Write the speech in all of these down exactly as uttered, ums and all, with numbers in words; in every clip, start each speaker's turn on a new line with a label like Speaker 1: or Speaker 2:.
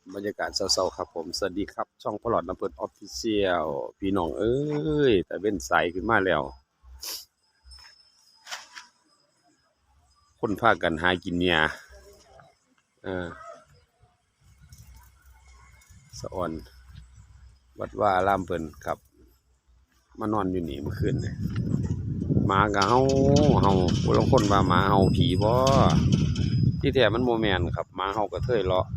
Speaker 1: บรรยากาศเศร้าๆครับผมสวัสดีครับช่องพลอดน้ำเปิดออฟฟิเชียลพี่น้องเอ้ยแต่เว้นใสขึ้นมาแล้วคนพากันหากินเนี่ยเออสะอ่อนวัดว่าอารามเพิ่นครับมานอนอยู่นี่เมื่อคืนเนี่ยหมาก็เฮาเฮาผู้ลางคนว่าหมาเฮาผีบ่ที่แท้มันโมแมนครับหมาเฮากระเทยเลาะ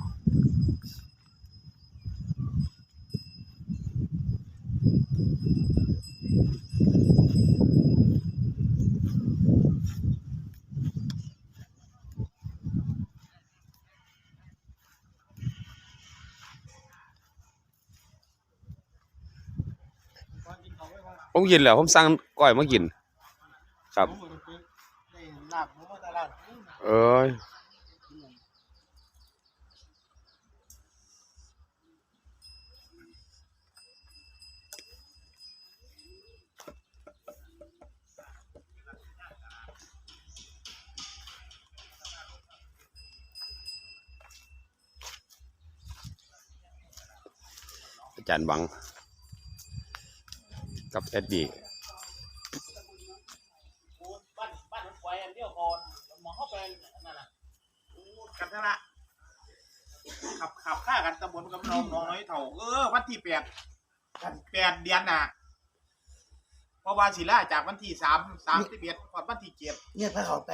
Speaker 1: ผมกินแล้วผมสั่งก้อยมากินครับเอ้ยอาจารย์บังกับเอ็ดดี้
Speaker 2: บ้านบ้านมันปล่อยอันเดียวก่อนมองเข้าไปนั่นน่ะกันนั่นละขับขับฆ่ากันตำบลกับน้องน้องน้อยเถ่าเออวันที่แปดกันแปดเดือนน่ะเพราะว่าศิลาจากวันที่สามสามที่เบียดวันที่เจ็ด
Speaker 3: เนี่ยพาเขาไป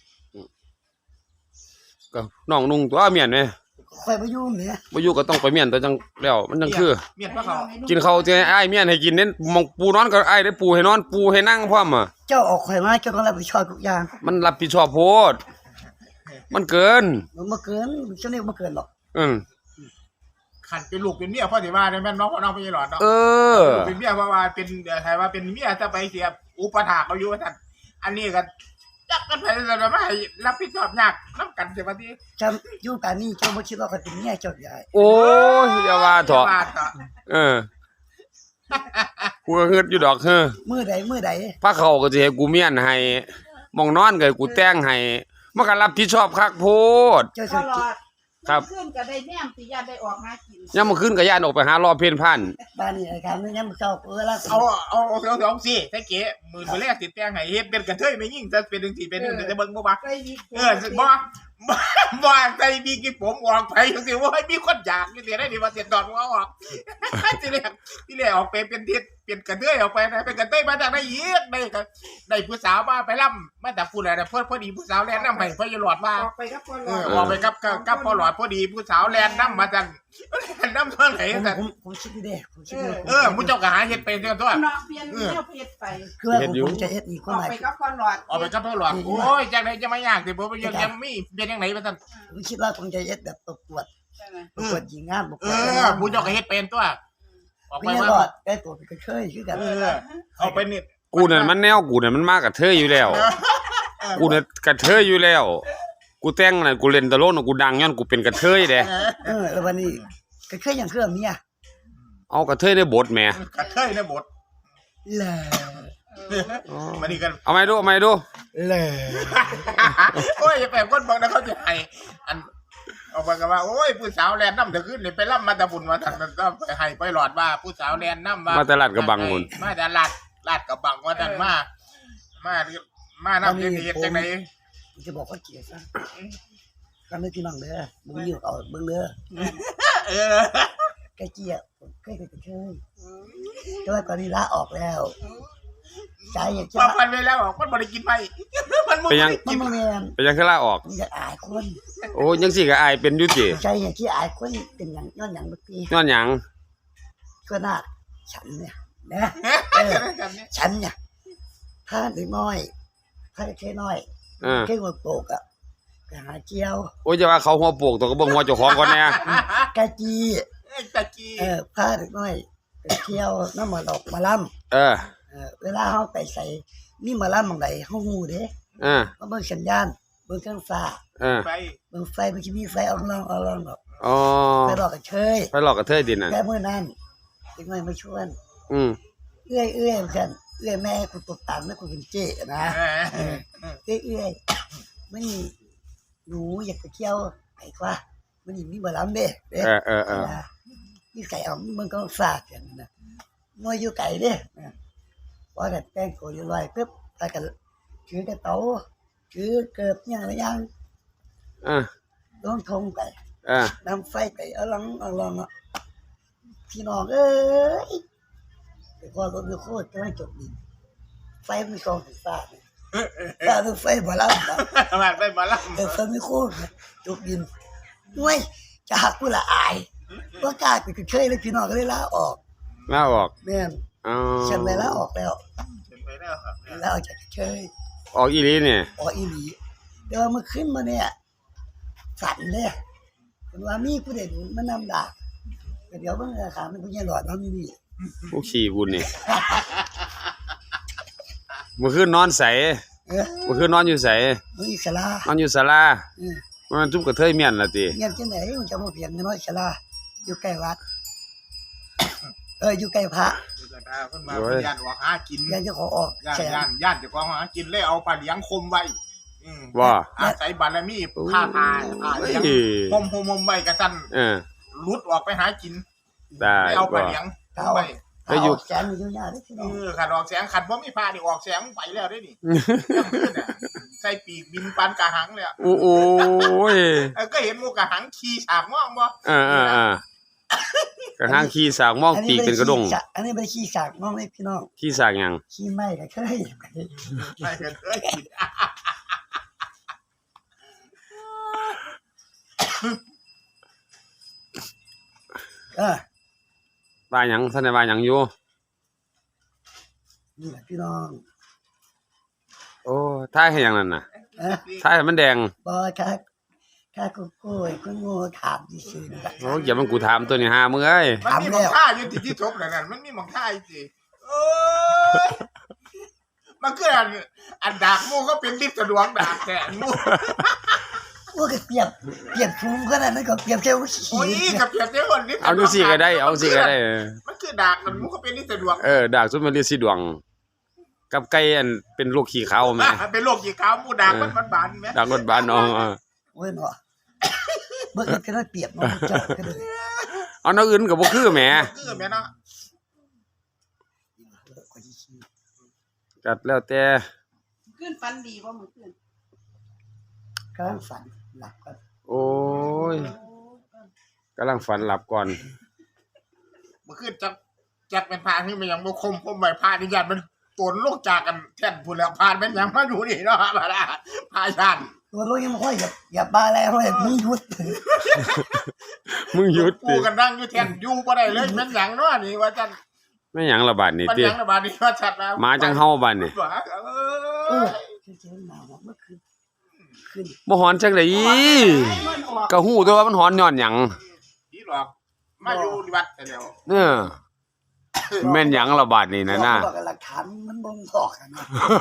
Speaker 1: ก็น้องนุ่งตัวเมียนไหม
Speaker 3: คอยมายุ่งเนี่ย
Speaker 1: บ่อยู่ก็ต้องไปเมียนแต่จังแล้วมันจังคือ
Speaker 2: เมียนพระเขา
Speaker 1: กินข้าวที่อ้ายเมียนให้กินเน้นมองปูนอนก็อ้ายได้ปูให้นอนปูให้นั่งพร้อมอ่ะ
Speaker 3: เจ้าออกคอยมาเจ้าต้องรับผิดชอบทุกอย่าง
Speaker 1: มันรับผิดชอบโพดมันเกิน
Speaker 3: มันมาเกินฉันนี่มาเกินหรอก
Speaker 1: อืม
Speaker 2: ขันเป็นลูกเป็นเมียพ่อสิว่าเนี่ยแม่น้องพ่อน้องไม่ใช่หลอดเนาะ
Speaker 1: เออ
Speaker 2: เป็นเมียเพราะว่าเป็นใครว่าเป็นเมียจะไปเสียอุปถากเขาอยู่ท่านอันนี้กันจักกันไปแล้วไม่รับผิดชอบยากน้ำกันเสียมาที่
Speaker 3: จำยุ่งกันนี่เจ้าไม่คิดว่าเขาเป็นเนี่ยเจ้าใหญ่
Speaker 1: โอ้ยอย่าว่าเถอะเออกูก็ฮึดอยู่ดอกเฮ้อ
Speaker 3: มือใดมือใด
Speaker 1: พระเขาก็สิให้กูเมียนให้มองนอนก็ให้กูแต่งให้มันก็รับผิดชอบคักโพด
Speaker 3: เจ้า
Speaker 4: ตลอด
Speaker 1: ครับ
Speaker 4: ขึ้นก็ได้แนมสิญาติได้ออกหากิน
Speaker 1: ยามมื้อคืนก็ย่านออกไปหารอเพ่นพ่าน
Speaker 3: บ้านนี่ไอ้การนี่ยังเจ้าเออละ
Speaker 2: เอาเอาเอาเอาเอาสิถ้าเก๋มือมือแรกติดแตงไห้เฮ็ดเป็นกระเทยไม่ยิ่งจะเป็นจังซี่เป็นจังจะเบิ่งบ่บ่เออบ่บ่บ่ใจมีกี่ผมออกไปจังซี่ว่ามีคนอยากอยู่สิได้นี่ว่าเสียดอนว่าออกที่แรกที่แรกออกไปเป็นทิศเป็นกระเทยออกไปนะเป็นกระเทยมาจากไหนอีกได้ก็ได้ผู้สาวมาไปล่ำมาจากผู้ใดน่ะเพิ่นพอดีผู้สาวแล่นนำให้เพิ่นอยู่หลอดว่า
Speaker 4: ออกไปกับพ่อหลอด
Speaker 2: เออออกไปกับกับพ่อหลอดพอดีผู้สาวแล่นนำมาจังแล่นนำเท่าไหร่จัง
Speaker 3: ผมผมคิดดีผมคิดดี
Speaker 2: เออมุเจ้าก็หาเฮ็ดเป็นจังตัว
Speaker 4: เนาะเปลี่ยนแนวเพชรไป
Speaker 3: คือผมจะเฮ็ดอีกค
Speaker 4: อน อก
Speaker 3: ใหม่
Speaker 4: ไปกับพ่อหลอด
Speaker 2: ออกไปกับพ่อหลอดโอ้ยจังได๋จะมายากสิบ่ยังยังมีเป็นจังได๋ว่าซั่น
Speaker 3: ผมคิดว่าผมจะเฮ็ดแบบประกวดประกวดหญิงงามประก
Speaker 2: เอ
Speaker 3: วด
Speaker 2: อมุเจ้าก็เฮ็ดเป็นตัวออกไปว่า
Speaker 3: ไอ้ตัวก็เคยคือกัน
Speaker 2: เออเอาไปนี่
Speaker 1: กูนั่นมันแนวกูนั่นมันมากับเธออยู่แล้วกูน่ะกับเธออยู่แล้วกูแต่งน่ะกูเล่นตลกน่ะกูดังย้อนกูเป็นกระเทยเด้
Speaker 3: เออแล้ววันนี้ก็เคยอย่างเครื่องเมีย
Speaker 1: เอากระเทยในบทแหม
Speaker 2: กระเทยในบท
Speaker 3: แล
Speaker 2: มานี่กัน
Speaker 1: เอาใหม่ดูเอาใหม่ดู
Speaker 3: แล
Speaker 2: โอ้ยอย่าไปคนบอกนะเขาจะให้อันเอาไปกันว่าโอ้ยผู้สาวแลนน้ำเถอะขึ้นนี่ไปล่ำมาตะบุญมาทางนั้นก็ไปให้ไปหลอดว่าผู้สาวแลนน้ำว่า
Speaker 1: มาตลาดกระบังมุ่น
Speaker 2: มาตลาดลาดกระบังว่าท่านมามามาน้ำเย็นๆจังไหน
Speaker 3: จะบอกว่าเกลียดซะก็ไม่พี่น้องเด้อมึงอยู่เอาเบิ่งเด้อ
Speaker 2: เออ
Speaker 3: แกเกลียดเคยเคยเคยแต่ว่าตอนนี้ลาออกแล้วใจอยากจะ
Speaker 2: พอพันไปแล้วมันบ่ได้กินไปมัน
Speaker 1: ไปยัง
Speaker 3: กินแม่น
Speaker 1: ไปยังคือลาออก
Speaker 3: อยากอายคน
Speaker 1: โอ้ยังสิก็อายเป็นอยู่ติ
Speaker 3: ใจอยากที่อายคนเป็นหยังย้อนหยังบ่ติ
Speaker 1: ย้อนหยัง
Speaker 3: ก็น่าฉันเนี่ยนะฉันเนี่ยถ้าเด็กน้อยถ้าแค่น้อยแค่หัวโปกอ่ะไปหาเจียว
Speaker 1: โอ้ยจะว่าเขาหัวโปกตัวก็เบิ่งหัวเจ้าของก่อนแน่
Speaker 3: กะจี
Speaker 2: กะจี
Speaker 3: เออพาเด็กน้อยไปเที่ยวน้ำมาดอกมาล่ำ
Speaker 1: เออ
Speaker 3: เออเวลาเฮาไปใส่มีมาล่ำบางใดเฮาฮู้เด้
Speaker 1: เออ
Speaker 3: มาเบิ่งสัญญาณเบิ่งเครื่องฟ้า
Speaker 1: เออ
Speaker 2: ไฟ
Speaker 3: เบิ่งไฟมันสิมีไฟออกล่องออกล่องดอก
Speaker 1: อ๋อ
Speaker 3: ไปหลอกกระเทย
Speaker 1: ไปหลอกกระเทยดิน่ะ
Speaker 3: แต่มื้อนั้นเด็กน้อยมาชวน
Speaker 1: อืม
Speaker 3: เอื้อยเอื้อยกันเอื้อยแม่กูตกตามแม่กูเป็นเจ๊นะเออเอื้อยเอื้อยมันหนูอยากไปเที่ยวไปกว่ามัมันนี่มีบ่ลำเด้เด้
Speaker 1: เออเออเออ
Speaker 3: อยู่ไก่เอามันก็ฝากกันนะมวยอยู่ไก่เด้พอกันแต่งตัวอยู่ลอยปึ๊บไปกันถือกระเต๋าถือเกิบอย่างละอย่าง
Speaker 1: อ่ะ
Speaker 3: ลงทงไป
Speaker 1: อ่ะ
Speaker 3: นำไฟไปเอาลังเอาลังอ่ะพี่น้องเอ้ยแต่พอรถดูโคตรกำลังจบดินไฟมันกองถึงฟ้าเนี่ยฟ้าเป็นไฟบ่ลำนะ
Speaker 2: มาไปมาล่ำ
Speaker 3: เออไฟไม่โคตรนะจบดินด้วยจะหักกูละอายว่ากล้าไปเคยเลยพี่น้องก็เลยลาออก
Speaker 1: ลาออก
Speaker 3: แม่น
Speaker 1: อ๋อ
Speaker 3: ฉันเลยลาออกแล้ว
Speaker 2: เป็นไปแล้วครับ
Speaker 3: ลาออกจากเคย
Speaker 1: ออกอีหลีเนี่ย
Speaker 3: ออกอีหลีเดี๋ยวมาขึ้นมาเนี่ยฝันเลยเป็นว่ามีผู้ใดหนุนมานำดาบเดี๋ยวเบิ่งราคามันผู้ใหญ่หลอดมันมี
Speaker 1: ผู้ขี่บุญนี่เมื่อคืนนอนใส
Speaker 3: เออ
Speaker 1: เมื่อคืนนอนอยู่ใส
Speaker 3: มันอีสลาน
Speaker 1: อนอยู่ศาลา
Speaker 3: เออ
Speaker 1: มันจุบกระเทยเมียนล่ะติ
Speaker 3: เงียบจังไหนมันจะมาเพียงน้อยสลาอยู่ใกล้วัด เอออยู่ใกล้พระ
Speaker 2: เพิ่นมาเพิ่นย่านออกหากิน
Speaker 3: ยังจะขอออก
Speaker 2: ย่าน
Speaker 3: แสน
Speaker 2: ย่านย่านเจ้าของหากินเลยเอาปลาเลี้ยงคมไว้อืม
Speaker 1: ว่า
Speaker 2: อาศัยบารมีผ้าพายผ้า
Speaker 1: เฮ้
Speaker 2: เลี้ยง
Speaker 1: ย
Speaker 2: หมหมมไว้กระจัน
Speaker 1: เออ
Speaker 2: ลุดออกไปหากิน
Speaker 1: ได้
Speaker 2: ไม่เอาป
Speaker 1: บ่
Speaker 2: ลาเลี้ยงคมไว้
Speaker 1: ไปอยู่
Speaker 3: เาแสนอยู่ยาได้พี่
Speaker 2: เอ
Speaker 3: น้อง
Speaker 2: อขัดออกแสงขัดบ่มีผ้านี่ออกแสงไปแล้วได้นี่ใส่ปีกบินปานกะหังเลยอะ
Speaker 1: โอ้โอ้ย
Speaker 2: เออก็เห็นหมูกะหังขี่ฉากม่วงบ่
Speaker 1: เออเออเออกระทั่งขี่สากมองปีกเป็นกระดง
Speaker 3: อันนี้เป็นขี้สากน้องเลยพี่น้อง
Speaker 1: ขี่สากหยัง
Speaker 3: ขี้ไหม้ก็เคย
Speaker 2: ไปกันเอ้ยกิน
Speaker 3: เออ
Speaker 1: ว่าหยังท่านได้ว่าหยังอยู่
Speaker 3: นี่แหละพี่น้อง
Speaker 1: โอ้ท้ายให้หยังนั่นน่ะ
Speaker 3: เออ
Speaker 1: ท้ายให้มันแดง
Speaker 3: บอค่ะข้ากูโก้ยกูโง่ถามดิซื่อๆนะ
Speaker 1: โอ้อย่ามันกูถามตัวนี้หามึงเอ้ย
Speaker 2: มันมีหมองท่าอยู่ที่ที่ทบนั่นน่ะมันมีหมองท่าอยู่สิเอ้ยมันคืออันอันดากหมูก็เป็นลิฟต์สะดวกดากแต่หมู
Speaker 3: ว่าก็เปรียบเปรียบภูมิขนาดนั้นก็เปรียบแค่ว่า
Speaker 2: โอ้ย
Speaker 3: ขี้
Speaker 2: กับเพียบเจ้าคนลิฟต์
Speaker 1: เอาดูสิก็ได้ เอาสิก็ได้
Speaker 2: มันคือดากมันหมูก็เป็นลิฟต์สะดวก
Speaker 1: เออดากสุดมันเรียกสิดวง กับไก่อันเป็นลูกขี้ขาวแม่
Speaker 2: เป็นโรคกี่ขาวหมูดากมันบานๆแม่
Speaker 1: ดากรถบ้านน้องเออ
Speaker 3: โอ้ยเนาะเบิ่งก็ได้เปรียบน้องเจ้าก็เลย
Speaker 1: เอาน้องอื่นก็บ่คือแหม
Speaker 2: คือแม่เนาะ
Speaker 3: ก็สิขี้
Speaker 1: ก็แล้วแต่
Speaker 4: ขึ้นฟันดีบ่มื้อคืน
Speaker 3: กำลังฝันหลับก่อน
Speaker 1: โอ้ยกำลังฝันหลับก่อน
Speaker 2: มันคือจักจักเป็นพาที่มันยังบ่คมคมไว้พาที่ญาติมันตนโลกจากกันแท่นพูดแล้วพานเป็นหยังมาอยู่นี่เนาะมาละพาญาติ
Speaker 3: ตัวลูกยังไม่ค่อยอย่าอย่าบ้าแล้วเลยมึงหยุด
Speaker 1: มึงหยุด
Speaker 2: ปู
Speaker 1: ติ
Speaker 2: กันนั่งอยู่แท่นอยู่บ่ได้เลยเป็นหยังเนาะนี่ว่าจัน
Speaker 1: ไม่หยังละบาดนี่
Speaker 2: มัน
Speaker 1: ติ
Speaker 2: หยังระบาดนี่ว่าจัดแล้ว
Speaker 1: หมาจังเฮาบาดนี่
Speaker 2: เอ
Speaker 3: เอ
Speaker 2: อ
Speaker 3: อเจ๊มาบอกเมื่อคืนคืน
Speaker 1: บ่หอนจังได๋
Speaker 4: มันออก
Speaker 1: ก็ฮู้ตัวว่ามันหอนย้อนหยัง
Speaker 2: นี่หรอกมาอยู่วัดแต่แล้ว
Speaker 1: เออแม่นหยังละบาดนี่นะน่ะ
Speaker 3: บอกกับหลักฐานมันบ่งบอกกันนะ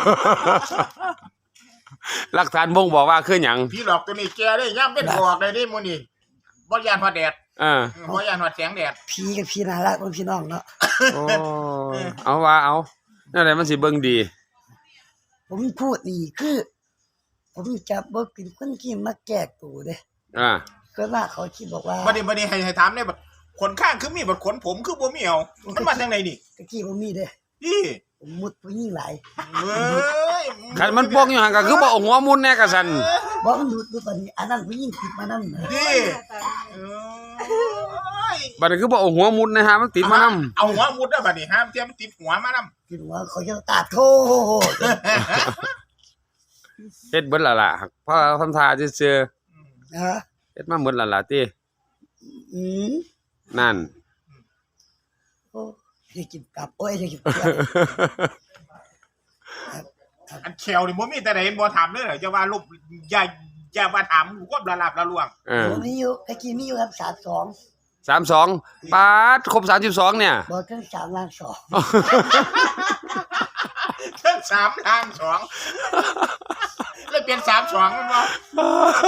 Speaker 1: หลักฐานบ่งบอกว่าคือหยัง
Speaker 2: พี่หลอกตัวนี้แกได้ย่ำเป็นออกได้ดิมื้อนี้บ่ยานฮอดแดด
Speaker 1: เออ
Speaker 2: บ่ยานฮอดแสงแดด
Speaker 3: พี่กับพี่น่ารักเป็นพี่น้องเนาะ
Speaker 1: โอ้เอาว่าเอานั่นแหละมันสิเบิ่งดี
Speaker 3: ผมพูดนี่คือ ผมจะบ่เป็นคนที่มาแก้ตัวเด้
Speaker 1: อ่า
Speaker 3: ก็ว่าเขาคิดบอกว่า
Speaker 2: บัดนี้บัดนี้ให้ให้ถามได้บัดขนข้างคือมีบัดขนผมคือบ่มีเอามันมาจังไดนี่
Speaker 3: ตะกี้บ่มีเด้
Speaker 2: นี่
Speaker 3: ผมมุดผู้หญิงหลาย
Speaker 2: เอ้ย
Speaker 1: คันมันปกอยู่หั่นก็คือบ่เอาหัวมุนแน่กะซั่น
Speaker 3: บ่มันดูดดูตอนนี้อันนั้นผู้หญิงติดมานั่นนะ
Speaker 2: นี่เอ้ย
Speaker 1: บัดนี้คือบ่เอาหัวมุนนะฮะมันติดมานำ
Speaker 2: เอาหัวมุดได้บัดนี้ห้ามเทียมนติดหัวมานำ
Speaker 3: คิดว่าเขาจะตาโทษ
Speaker 1: เฮ็ดเบิดและล่ะเพราะทำท่าซื่อ
Speaker 3: นะ
Speaker 1: ๆเฮ็ดมาหมดและล่ะติ
Speaker 3: อืม
Speaker 1: นั่น
Speaker 3: โอ้ยกินกลับโอ้ยจะกินกลับ
Speaker 2: อันแควนี่บ่มีแต่ใดบ่ถามเด้ออย่าว่าลบอย่าอย่ามาถามความละลับละลวง
Speaker 1: เออ
Speaker 3: ผมมีอยู่ตะกี้มีอยู่ครับสามสอง
Speaker 1: สามสิบสองปาดครบสามสิบสองเนี่ย
Speaker 3: บอกเครื่องสามล้านสอง
Speaker 2: เทิงสามทางสองเลยเปลี่ยนสามสองแม่นบ่โอ้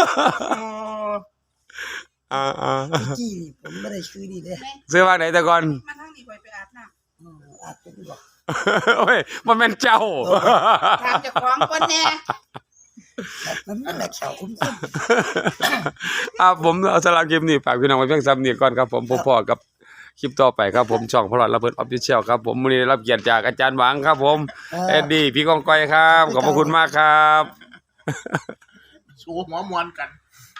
Speaker 1: อ่า
Speaker 3: ตะกี้นี่ผมไม่ได้ซื้อนี่เด้
Speaker 1: ๆซื้อว่าไหนแต่ก่อน
Speaker 4: มาทางนี้ข่อยไปอาบน้ำ
Speaker 3: อืมอาจจะไม่บอก
Speaker 1: โอ้ยมันแม่นเจ้า
Speaker 4: ถามเจ้าของก่อนแน่
Speaker 3: นมันนั่นแหละเขาคุ้ม
Speaker 1: อ่าผมเอาสำหรับคลิปนี้ฝากพี่น้องไว้เพียงซ้ำนี้ก่อนครับผมพบพอกับคลิปต่อไปครับผมช่องพลอดระเบิดออฟฟิเชียลครับผมมื้อนี้ได้รับเกียรติจากอาจารย์หวังครับผมเอ็ดดี้พี่กองก้อยครับขอบพระคุณมากครับ
Speaker 2: ชูหัวมวนกัน